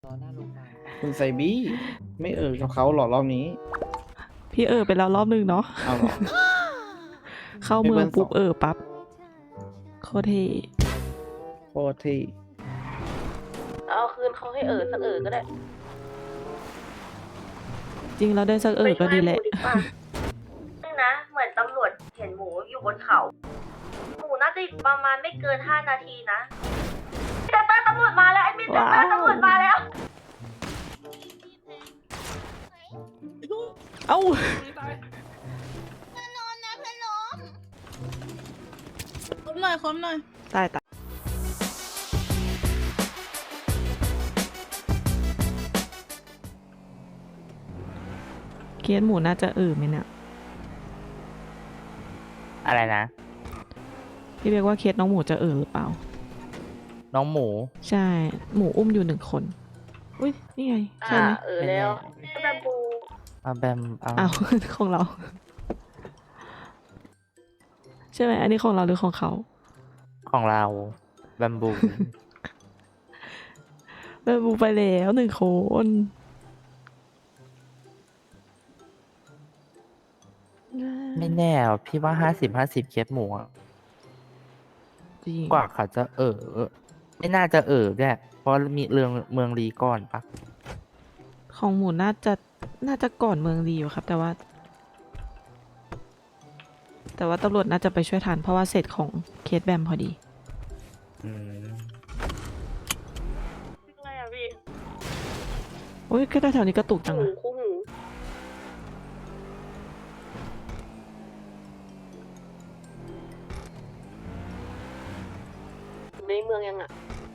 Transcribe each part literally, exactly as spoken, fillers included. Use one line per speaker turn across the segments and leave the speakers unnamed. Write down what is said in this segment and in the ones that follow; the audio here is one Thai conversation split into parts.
รอหน้าโรงพยาบาล
คุณไซบี้ไม่เอ่ยกับเขาหรอรอบนี้
พี่เออไปแล้วรอบนึงเนาะ
เอาหรอ
เข้าเมืองปุ๊บเออปั๊บโคตรเท่
โคตรที่
เอาคืนเขาให้เออสักเออก็ได้
จริงเราได้สักเออก็ดีแหละ
นี่นะ เหมือนตำรวจเห็นหมูอยู่บนเขา หมูน่าจะประมาณไม่เกินห้านาทีนะแต่ตตำรวจมาแล้วไอ้มินแต่
ว้าว
ตำรวจมาแล้ว
เอ้า
คมหน่อยคมหน่อย
ตายตายเคสหมูน่าจะเออไหมเนี่ย
อะไรนะ
พี่เรียกว่าเคสน้องหมูจะเออหรือเปล่า
น้องหมู
ใช่ หมูอุ้มอยู่หนึ่งคน อุ้ยนี่ไงใช่
อ่า
ไหม
เออแล้วแบบบู
มาแบมเอา
อ้าว ของเรา ใช่ไหมอันนี้ของเราหรือของเขา
ของเราแบมบู
เบบูไปแล้วหนึ่งคน
ไม่แน่อะพี่ว่าห้าสิบห้าสิบเคสหมูอะ
จริง
กว่าเขาจะเออไม่น่าจะเออด้วยเพราะมีเรื่องเมืองรีก่อนปะ
ของหมูน่าจะน่าจะก่อนเมืองดีอยู่ครับ แต่ว่า แต่ว่าตำรวจน่าจะไปช่วยทันเพราะว่าเสร็จของเคสแบมพอดี
อืม
อะไรอ่ะพี่
โอ้ยก็แถวนี้กระตุกจัง
หู
อะ
คู่หูในเมืองยังอ่ะ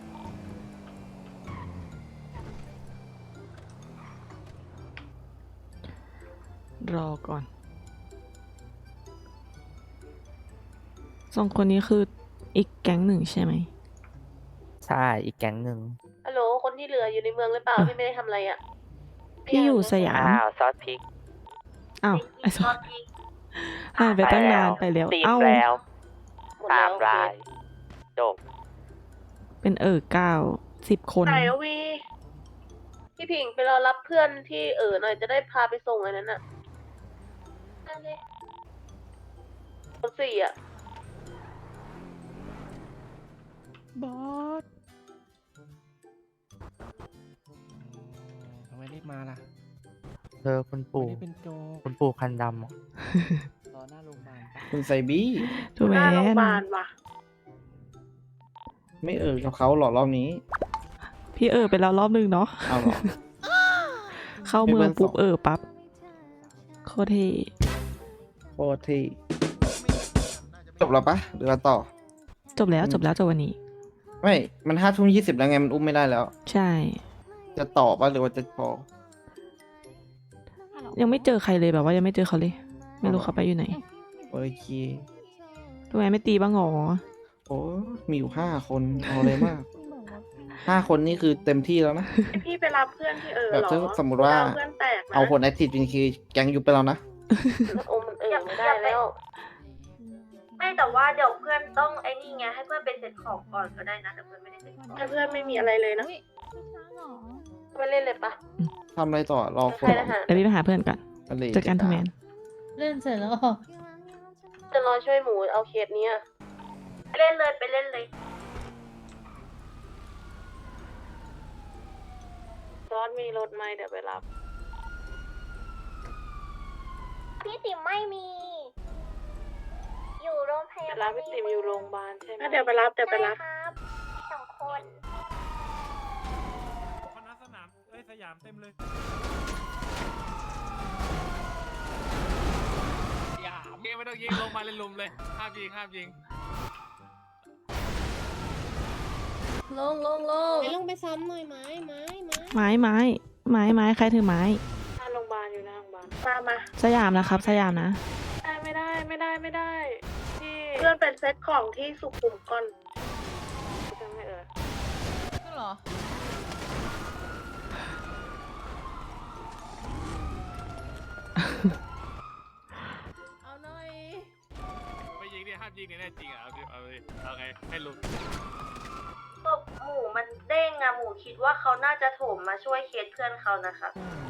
รอก่อนสองคนนี้คืออีกแก๊งหนึ่งใช่ไหม
ใช่อีกแก๊งหนึ่ง
ฮัลโหล คนที่เหลืออยู่ในเมืองหรือเปล่า
อ่ะ
พี่ไม่ได้ทำอะไรอ่ะ
พี่อยู่สยาม
อ้าวซอสพริก
อ้าวไอ้ส
ต
อ
อง นที่
หายไปตั้งนานไปแล้ว
ตีม
เอ้า
แล้ว
หมด
สา
แล้ว
มรายจบ
เป็นเออเก้าสิบคน
ไหนอะวีพี่ผิงไปรอรับเพื่อนที่เออหน่อยจะได้พาไปส่งอันนั้นอ่ะนั่นเลยคนสี่อ่ะ
บอส
ทำไมรีบมาล่ะ
เธอคุณ
ไม่
ปู่
ได้เป็นโจก
คุณปู่คันดำอะ
รอหน้าโรงพยาบาลคุณไซบี้
ทูแม
หน้าโรงพ
น
ยาบาลว่ะ
ไม่เอ่ยกับเขาหรอรอบนี้
พี่เออไปแล้วรอบนึงเนาะ
เอาหรอ
เข้าเมืองปุ๊บเออปั๊บโคตรเท่
โคตรที่จบแล้วปะหรือว่าต่อ
จบแล้วจบแล้วจบวันนี้
ไม่มันห้าทุ่มยี่สิบแล้วไงมันอุ้มไม่ได้แล้ว
ใช่
จะต่อปะหรือว่าจะพอ
ยังไม่เจอใครเลยแบบว่ายังไม่เจอเขาเลย ไม่รู้เขาไปอยู่ไหน
โอเค
ทูแมนไม่ตีบ้างหรอ
โอ้มีอยู่ห้าคนเอาเลยมากห้าคนนี่คือเต็มที่แล้วนะ
พี่ไปรับเพื่อนที่เออ
แบบ
เหรอ
ถ้าสมมุติว่า
เอเพื่อนแตกนะ
เอาคนแอคทีฟจริงคือแก๊งยุบไปแล้วนะ
โอ้มันเออไม่ได้แล้ว ไม่แต่ว่าเดี๋ยวเพื่อนต้องไอ้นี่ไงให้เพื่อนไปเซ็ตของก่อนก็ได้นะแต่เพื่อนไม่ได้เซ็ตของถ้าเพื่อนไม่มีอะไรเลยนะ
อุ๊ยไม่ช้าหรอ
ไปเล่นเลยปะ
ทำอะไรต่อรอค
ใคร
น
นะฮะ
เดี๋ยวพี่ไปหาเพื่อนก่อน
อะไร
เจอกันทูแมน
เล่นเสร็จแล้วเหรอ
จะรอช่วยหมูเอาเคสเนี้ยไปเล่นเลยไปเล่นเลยซอสมีรถไหมเดี๋ยวไปรับ
พี่ติ๋มไม่มี อยู่โรงพยาบาล
รับพี่ติ๋มอยู่โรงพยาบาลใช่ไหมเดี๋ยวไปรับเดี๋ยวไปรับ
ใช่ครับสองคน
คณะสนามเอ้ยสยามเต็มเลยอย่าเกมไม่ต้องยิงลงมาเลยลุมเลยห้ามยิงห้ามยิง
ลงลงลงลงไปซ้ำหน่อยไม้ไม้ไม้
ไม้ไม้ไม้ไม้ใครถือไม้
หน้าโรงพยาบาลอยู่หน้าโรงพยาบาลมามา
สยามนะครับ สยามนะ
ไม่ได้ไม่ได้ไม่ได้ที่เพื่อนเป็นเซตของที่สุขุมก่อนจะไม่เออ
ก็เหรอ เอาหน่อย
ไม่ยิงดิห้ามยิงเนี่ยแน่จริงอ่ะเอาดิเอาดิเอาไงให้ลุม
ศพหมูมันเด้งอะหมูคิดว่าเขาน่าจะโถมมมาช่วยเคสเพื่อนเขานะครับ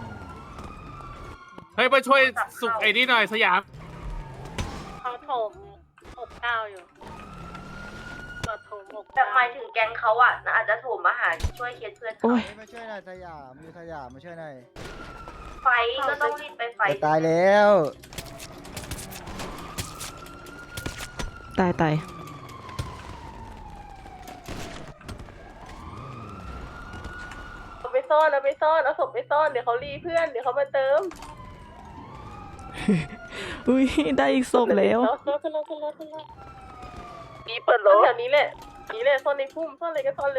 เฮ้ยมาช่วยสุกไอ้นี่หน่อยสยาม
เขาโถมหกเก้าอยู่ตรวจโถมหก
แบบหมายถึงแก๊งเขาอะน่าอาจจะโถมมาหาช่วยเคสเพื่อนเขา
โอ้ย
มาช่วยหน่อยสยามอยู่สยามมาช่วยหน่อย
ไฟก็ต้องรีบไปไฟ
จะตายแล้ว
ตายตาย
เอาไปซ่อนเอาไปซ่อนเอาศพไปซ่อนเดี๋ยวเขารีเพื่อนเดี๋ยวเขามาเติม
อุ้ยได้อีกศพแล้ว
รถขึ้นรถขึ้นรถขึ้นรถมีเปิดรถแถวนี้แหละนี่แหละซ่อนในพุ่มซ่อนอะไรก็ซ่อนเลย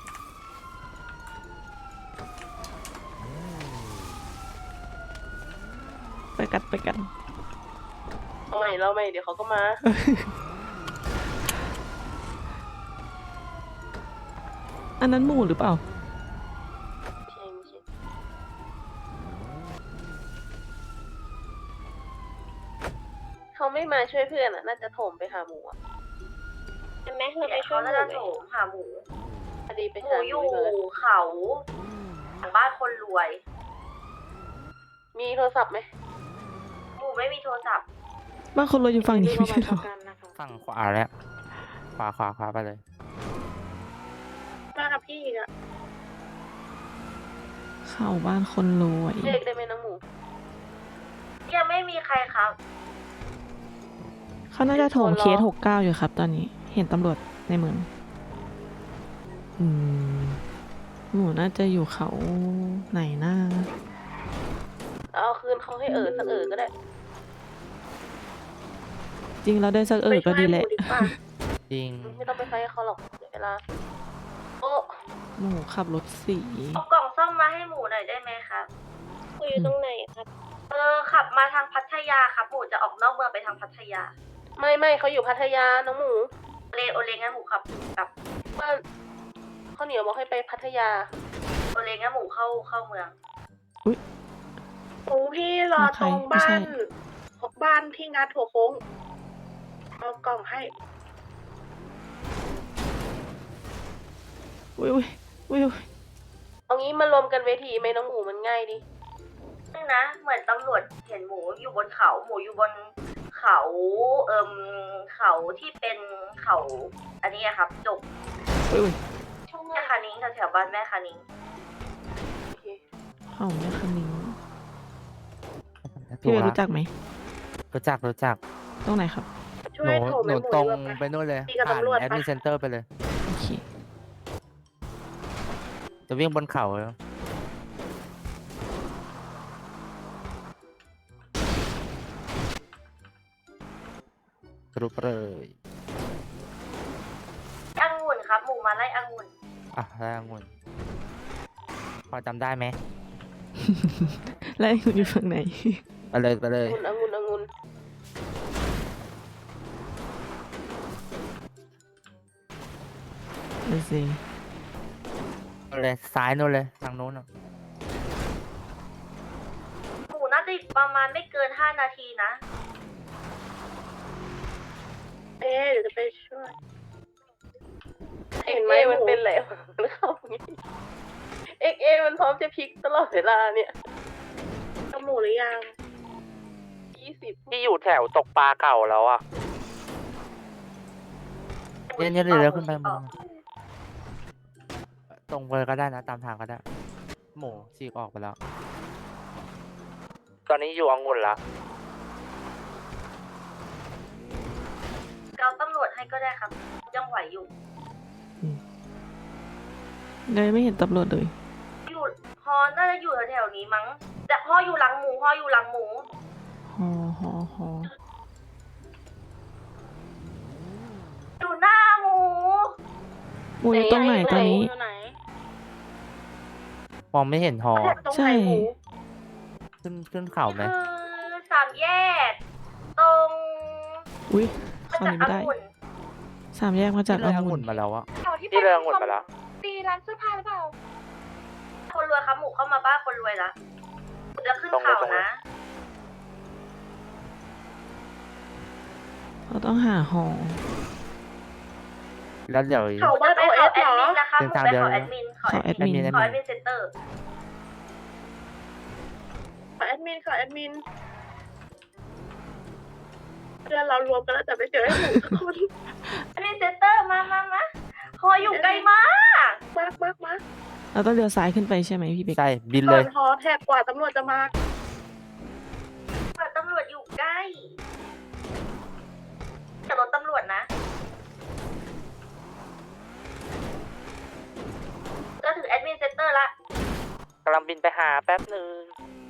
ไปกันไปกัน
เอาใหม่เราใหม่เดี๋ยวเขาก็มา
อันนั้นหมูหรือเปล่า
ใช่ไม่ใช่เขาไม่มาช่วยเพื่อนอ่ะน่าจะโถมไปหาหมูอ่ะใช่ไหมเราไปช่
เขา
วยหมู
น่าจะ
ไหม
โถมหาหมู
พอดีไป
หมู
หา
อยู่
เลย
เขาหลังบ้านคนรวย
มีโทรศัพท์ไหม
หมูไม่มีโทรศัพท์
บ้านคนเราอยู่ฝั่งนี้ไม่ใช่เหรอ
ฝั่งขวาแล้วขวาขวาขวาไปเลย
มากับพี่อีกอ่ะ
เข้าบ้านคนรวย
เรียกได้ไหมน้องหมู
ยังไม่มีใครครับ
เขาน่าจะโถมเคสหกเก้าอยู่ครับ ตอนนี้เห็นตำรวจในเมืองอืมหมูน่าจะอยู่เขาไหนหน้า
เอาคืนเขาให้เออสักเออก็ได้
จริงเราได้สักเออก็ดีแหละ
ไปช่วยหมูกว่า
จริง
ไม่ต้องไปไฟกับเขาหรอกเดี๋ยวเวลาโอ้
หมูขับรถสี
เอากล่องซ่อมมาให้หมูหน่อยได้ไหมครับ
คุยอยู่ตรงไหนครับ
เออขับมาทางพัทยาครับหมูจะออกนอกเมืองไปทางพัทยา
ไม่ไม่เขาอยู่พัทยาน้องหมู
เลโอเลงั้นหมูขับกลับ
ว่าข้าวเหนียวบอกให้ไปพัทยา
โอเลงั้นหมูเข้าเข้าเมือง
โอ้พี่รอ
ตรงบ้าน
บ้านที่งัดหัวโค้งเอากล่องให้
อุ้ยอุ้ยอุ้ยอุ้ย
เอางี้มารวมกันเวทีไหมน้องหมูมันง่ายดิ
ซึ่งนะ เหมือนตำรวจเห็นหมูอยู่บนเขา หมูอยู่บนเขาเอิมเขาที่เป็นเขา อันนี้อะครับจบ
อุ้ยอุ้ย
แม่คานิ้งแถวๆบ้านแม่คานิ้ง
โอเค
เข้าแม่คันนิ้ง
ถู
พี่
ก
เว
ละ
รู้จักไหม
รู้จักรู้จัก
ตรงไหนครับ
ช่
ห
วย
นู
โถม
หนู
ให้หมู
ตรง
ดีกว่า
ไปนู่นเลย
ตีกับ
ผ่าน
ตำรวจ
แอด
ปะ
มินเซ็นเตอร์ไปเลย
โอเค
จะวิ่งบนเขาแล้วกรุบเลย
องุ่นครับ หมูมาไล่องุ่น
อ่ะแล้วองุ่นพอจำได้ไหม
แล้วคุณอยู่ฝั่งไหน
ไปเลยไปเลย
องุ่นองุ่นองุ่น
ดูสิ
ไปเลยซ้ายนู่นเลยทางนู้นอ่ะ
หมูน่าจะอีกประมาณไม่เกินห้านาทีนะ
เอ๊ะเดี๋ยวจะไปช่วยเห็นไหมมันเป็นอะไรหรือเขาอย่างงี้เอ็กเอมันพร้อมจะพลิกตลอดเวลาเนี่ยเอาหมูหรือยังยี่สิบ
ที่อยู่แถวตกปลาเก่าแล้วอ่ะเนี่ยเนี่ยเดี๋ยวขึ้นไปมึงตรงไปก็ได้นะตามทางก็ได้ หมูฉีกออกไปแล้ว ตอนนี้อยู่องุ่นละ
เกาตำรวจให้ก็ได้ครับ ยังไหวอยู่
เลยไม่เห็นตำรวจเลย
อยู่ฮอน่าจะอยู่แถวๆนี้มั้ง แต่ฮออยู่หลังหมูฮออยู่หลังหมู
ฮอฮอฮอ
อยู่หน้าหมู
หมูอยู่ตรงไหนตอนนี้
อยู่ไหน
มองไม่เห็นหอ
ตรง
ใช่
ไหนหมู
ขึ้นขึ้นเขาไหม
คือสามแยก ตรง
อุ้ย
มา
เข้า
จาก
นี้ไม่ได้
องุ่น
สามแยกมาจาก
ที่
อ
เลยอง
งุ่
ุ่
น
นมาแล้วอะ
ที่
ที่เลยองุ่นมาแล้ว
ตีร้านเสื้อผ้าหรือเปล่า
คนรวยครับหมูเข้ามาบ้านคนรวยละหมูจะขึ้น
ตรงเลย
เขา
ตรงเลย
นะ
เราต้องหาหอ
แล้วเดี๋ยว
เขาบ้าน
ไป
โอเอ
เขา
ส
แอ
เหร
ดมิ
อน
นะครับห
เป็
มู
นทาง
ไป
เดียว
เขา
เลย
แอดมินเขา
เขาแอดมิน
แอดมิน
ขอแอดมินเซ็นเตอร์
ขอแอดมินขอแอดมินเพื่อนเรารวมกันแล้วแต่ไม่เจอให้หมูสักคน
แอดมินเซ็นเตอร์มามามาหออยู่ไกลมาก
มากมากมาก
เราต้องเลี้ยวซ้ายขึ้นไปใช่ไหมพี่เบก
ใช่บิน
ต
เล
อย นฮอแทบกว่าตำรวจจะมา
ตำรวจอยู่ใกล้แต่รถตำรวจนะก็ถึงแอดมินเซ็นเตอร์ละ
กำลังบินไปหาแป๊บหนึ่ง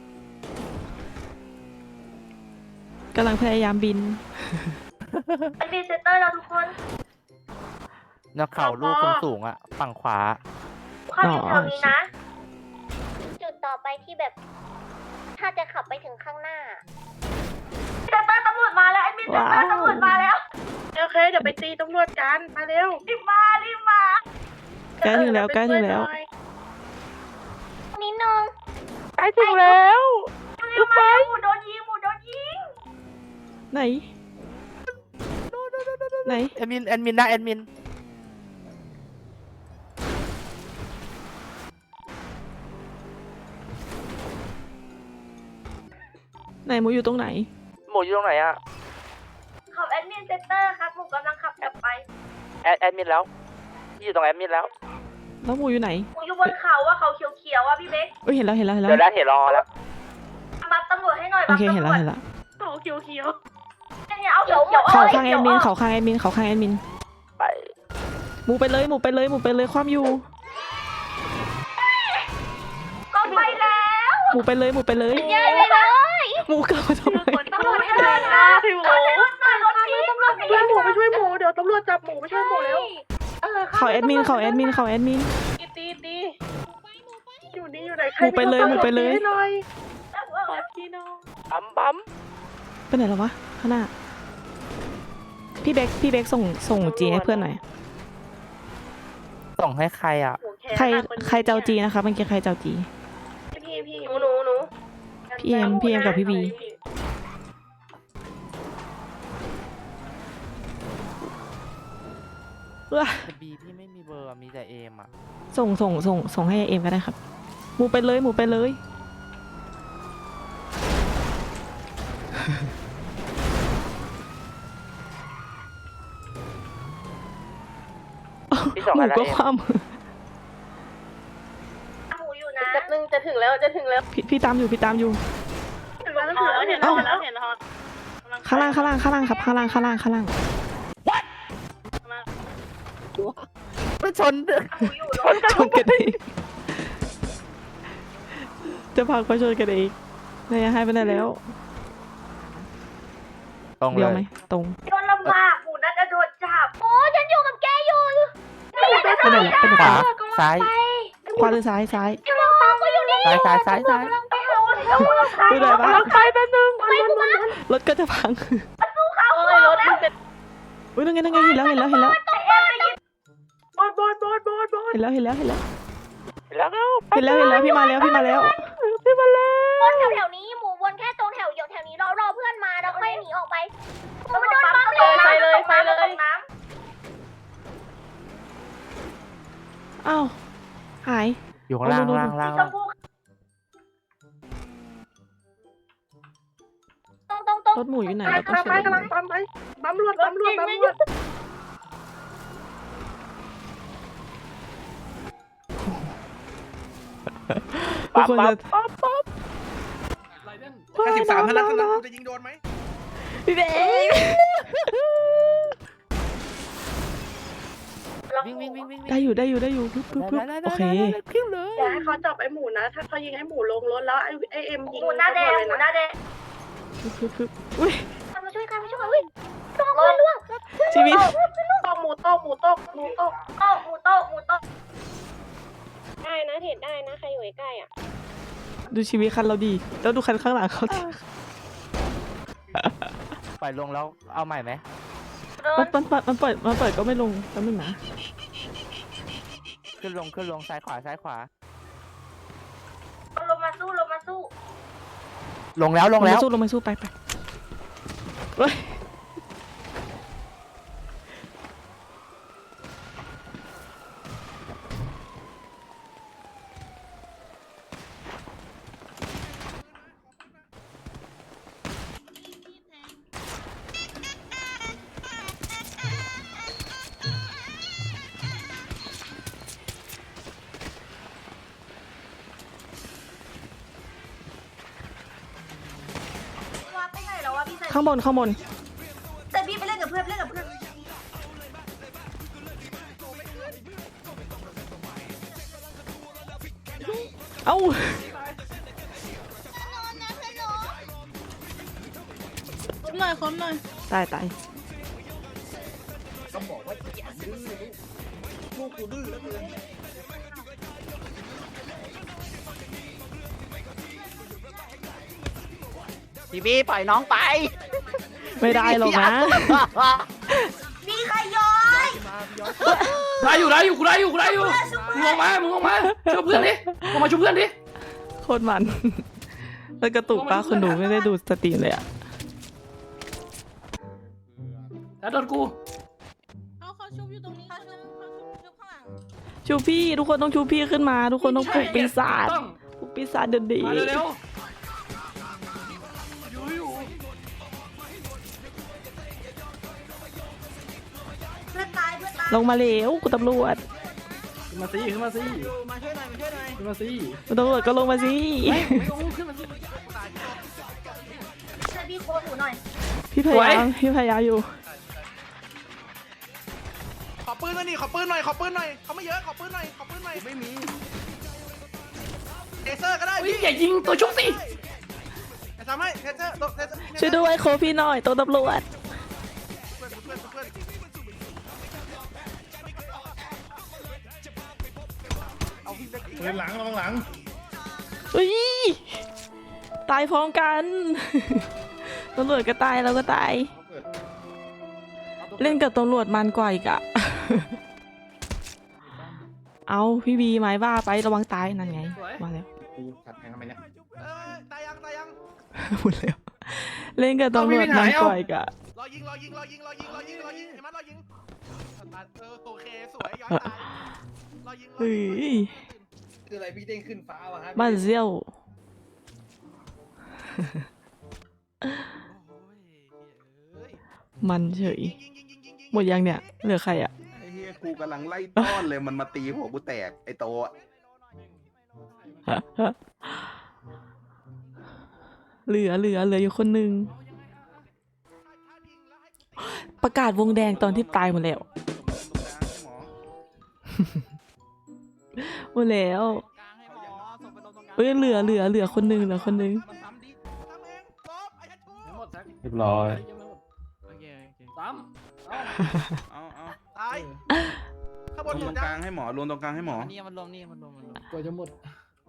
กำลังพยายามบิน
แอดมินเซ็นเตอร์เราทุกคน
นกเขาลูกสูงๆอ่ะ ฝั่งขวา
เข้าอยู่แถวนี้นะ
จุดต่อไปที่แบบ ถ้าจะขับไปถึงข้างหน้า
เซ็นเตอร์ตำรวจมาแล้วแอดมินเซ็นเตอร์ตำรวจมาแล้ว
โอเคเดี๋ยวไปตีตำรวจกันมาเร็ว
รีบมารีบมา
ใกล้ถึงแล้วใกล้ถึงแล้ว
นิดนึง
ใกล้ถึงแล้ว
รีบมาหมูโดนยิงหมูโดนยิง
ไหน ไหน
แอดมินแอดมินนะแอดมิน
ไหนหมูอยู่ตรงไหน
หมูอยู่ตรงไหนอ่ะ
ขับแอดมินเซ็นเตอร์ครับหมูกำลังขับกลับไป
แอดแอดมินแล้วพี่อยู่ตรงแอดมินแล้ว
แล้วหมูอยู่ไหน
หมูอยู่บนเขาว่าเขาเขียวๆอ่ะพี่เบ๊ก
เอ้ยเห็นแล้วเห็นแล้วเห็นแล้ว
เดี๋ยวได้เห็นรอแล้ว
บัฟตำรวจให้หน่อย
โอ
บัฟ
เค
ตำ
เห็น
ร
แล้ว
วจ
เห็นแล้ว
เขาเขียวเขียว
เนี่ยเอาเขียวเขียว
เขาข้างแอดมินเขาข้างแอดมินเขาข้างแอดมิน
ไป
หมูไปเลยหมูไปเลยหมูไปเลยความอยู่
ก็ไปแล้ว
หมูไปเลยหมูไปเลย
ย้ายไปเลย
หมูเก่าทำไม
ตำรวจให้เดินนะพี่หมู
รถมารถพี่ตำรวจ
ช่วยหมูไปช่วยหมูเดี๋ยวตำรวจจับหมูไปช่วยหมูเร็ว
เขาแอดมินเขาแอดมินเขาแอดมิน
ตีตีตีอยู่นี่อยู่ไหนใคร
หมูไปเลยหมูไปเลย
ให้หน่อยขอที่น้อง
ปั๊มปั๊ม
ไปไหนแล้ววะข้างหน้า พี่เบกพี่เบกส่งส่งจีให้เพื่อนหน่อย
ส่งให้ใครอ่ะ
ใครใครเจ้าจีนะคะเมื่อกี้ใครเจ้าจี
พี่พี่
หนูหนูหนู
พี่เอ็มพี่เอ็มกับพี่บี ว้า
แต่บีพี่ไม่มีเบอร์อะมีแต่เอมอ่ะ
ส่งส่งส่งส่งให้เอ็มก็ได้ครับหมูไปเลยหมูไปเลย
พี่ส่ง
หมู
ให้แล้ว
ก็
เอม
ความ
หมูอยู่นะ
จะนึงจะถึงแล้วจะถึงแล้ว
พี่พี่ตามอยู่พี่ตามอยู่
ถึงแล้วถึงแล้วเห็นแล้วเห็นแล้วเห็นแล้ว
ข้างล่างข้างล่างข้างล่างครับข้างล่างข้างล่างข้างล่าง
ไปชน
หมูอยู่รถ
ชนกันเองจะพาไปชนกันเองนายให้ไปไหนแล้ว
ตรงเล
เดียวย ไหมตรง
โดนลำบากหมูน่าจะโดนจับ
โอ้ฉันอยู่กับแกอยู่
ไปไหนแล้วไปไหน
ขวา
ต่อ
ซ้าย
ขวาหรือซ้ายซ้าย
กำลังตามก็อยู่นี่
ซ้ายซ้ายซ้ายซ้าย
ไปเอาเอาเอาใคร
ไปไหนวะ
ใครแป๊บนึง
ไปกูมาร
ถก็จะพัง
เอ้ยรถมันเป็น
อุ้ยนั่นไงนั่นไงเห็นแล้วเห็นแล้วเห็นแล้ว
บอดบอดบอดบอดบอด
เห็นแล้วเห็นแล้วเห็นแล้ว
แล้วก็
เห็นแล้วเห็นแล้วพี่มาแล้วพี่มาแล้ว
พี่มาแล้ว
วนแถวๆนี้หมูวนแค่ตรงแถวเดียวแถวนี้รอรอเพื่อนมาแล้วค่อยหนีออกไปหมูมันโดนบัง
เลยไปเลยไปเลย
อ้าวหาย
อยู่ข้างล่าง
เอาดู
ล่างล่าง
ช
ล่าง
มพู
ตรงตรงตรง
รถหมูอยู่ไหน
ไป
เราต้อง
ไป
เช็ค
กำลังปั๊มไปปั๊มรวดปั๊มรวดปั๊มรวด
ทุกคนจะ
ไรเดน
แค่สิบสามเท่านั้นเท่านั้น
จะยิงโดนไหม
พี่เบ
วิ่งวิ่งวิ่งวิ่ง
ได้อยู่ได้อยู่ได้อยู่ปึ๊บปึ๊บปึ๊บ
ได้
โอเค
ได้ได้พิ้วเลย
อย่าให้เขาจับไอ้หมูนะ ถ้าเขายิงไอ้หมูลงรถแล้วไอ้ไอ้เอ็มยิง
หมูหน้าแดงหมูหน้าแดง
ปึ๊บปึ๊บปึ๊บอุ้ย
ใครมาช่วยใครมาช่วยอุ้ยล่วงล่วงล่วง
ชีวิต
ตกหมูตกหมูตกหมูตก
โต๊ะหมูโต๊ะหมูโต๊ะ
ได้นะเห็นได้นะใครอยู่ใกล้อ่ะ
ดูชีวิตคันเราดีแล้วดูคันข้างหลังเขาดิ
ปล่อยลงแล้วเอาใหม่ไหม
มันมันมันมันเปิดมันเปิดก็ไม่ลงแป๊บนึงนะ
ขึ้นลงขึ้นลงซ้ายขวาซ้ายขวา
ลงมาสู้ลงมาสู้
ลงแล้วลงแล้ว
มาสู้ลงมาสู้ไปไปเฮ้ยข้างบนข้างบน
แต่พี่ไปเล่นกับเพื่อนเล่นกับเพื่อน
เอ้า
คมหน่อยคมหน่อย
ตายตาย
พี่บี้ปล่อยน้องไป
ไม่ได้หรอกนะ
มีใครย้อย
ได้อยู่ได้อยู่กูได้อยู่กูได้อยู่มึงลงมามึงลงมาช่วยเพื่อนดิลงมาช่วยเพื่อนดิ
โคตรมัน แล้วกระตุกป้าคนดูไม่ได้ดูสตรีมเลยอะ
แล้วโดนกู
เขาเขาชุบอยู่ตรงนี้เขาชุบเขาชุบชุบข้างหลัง
ชูพี่ทุกคนต้องชูพี่ขึ้นมา ทุกคนต้องปลุกปีศาจ
ต้อง
ปลุกปีศาจเดินดี
มาเร็วๆอยู่อยู่
เพื่อนตายเพื่อนตาย
ลงมาเร็วคุณตำรวจ
ขึ้นมาสิขึ้นมาสิ
มาช่วยหน่อยมาช่วยหน่อย
ขึ้นมาสิ
คุณตำรวจก็ลงมาสิ
ไม่ไม่ลงขึ้นมาสิ
ช่วยพี่โค้ดหนูหน่อย
พี่พยายามพี่พยายามอยู่
ขอปืนหน่อยนี่ขอปืนหน่อยขอปืนหน่อยเขาไม่เยอะขอปืนหน่อยขอปืนหน่อยไม่มีเทเซอร์ก็ได้
เฮ้ยอย่ายิงตัวชุบสิ
จะทำให้เทเซอร์เทเซอร์
ช่วยด้วยโคพี่หน่อยตัวตำรวจ
เพื่อนเพื่อนเพื่อนเอาพี่เล็ก
ปืนหลังระวังหลัง
อุ้ยตายพร้อมกัน ตำรวจก็ตายเราก็ตาย เล่นกับตำรวจมันกว่าอีกอะ เอาพี่บีไม้บ้าไประวังตายนั่นไงมาแล้ว
กูขัดแทงทำไมเนี่ย
เออตายยังตายยัง
หมดแล้วเล่นกับตำรวจมันกว่าอีกอะ
รอยิงรอยิงรอยิงรอยิงรอยิงรอยิงเห็นไหมรอยิงเออโอเคสวยย้อนตายรอยิงรอ
เฮ้
ยิง
ย
คืออะไรพี่เด้งขึ้นฟ้าวะฮะ
บ้านเซี่ยว มันเฉย หมดยังเนี่ย เหลือใครอะ
ไอ้เฮียกูกำลังไล่ต้อนเลยมันมาตีหัวกูแตกไอ้โตอะ
เหลือเหลือเหลืออยู่คนหนึ่ง ประกาศวงแดงตอนที่ตายหมดแล้ว หมดแล้วเอ้ยเหลือเหลือเหลือคนหนึ่งเหลือคนหนึ่ง
เรียบร้อย
โอเคโอเคซ้ำ
เอาเอา
ตายข้างบ
รวน ม
อ
ต
ยู่
รง
นะ
กลางให้หมอรวมตรงกลางให้หมอ
นี่มันรวมนี่มันรวมมันรวม
กว่าจะหมด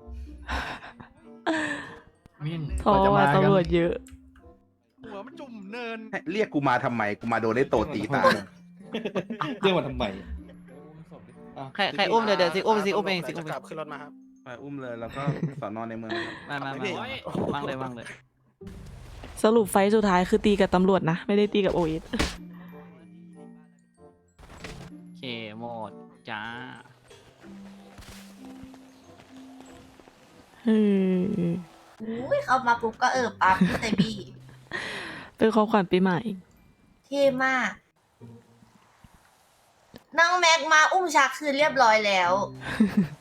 มิน
เพราะว่าตำรวจเยอะ
หัวมันจุ่มเนิน
เรียกกูมาทำไมกูมาโดนไอ้โตตีตาย
เรียกมาทำไม
ใครใครอุ้มเดี๋ยวเดี๋ยวสิอุ้มสิอุ้มเองสิอุ้มกลับขึ้นรถมาครับ
ไปอุ้มเลยแล้วก็สอนอนในเมืองครับ
มามามา วางเลยวางเลย
สรุปไฟท์สุดท้ายคือตีกับตำรวจนะ ไม่ได้ตีกับโอเอส
โอเคหมดจ้า
เฮ้ย
อุ้ยเข้ามาปุ๊บก็เออปั๊บแต่บี้
เป็นของขวัญปีใหม่
เท่มากน้องแม็กมาอุ้มชักคือเรียบร้อยแล้ว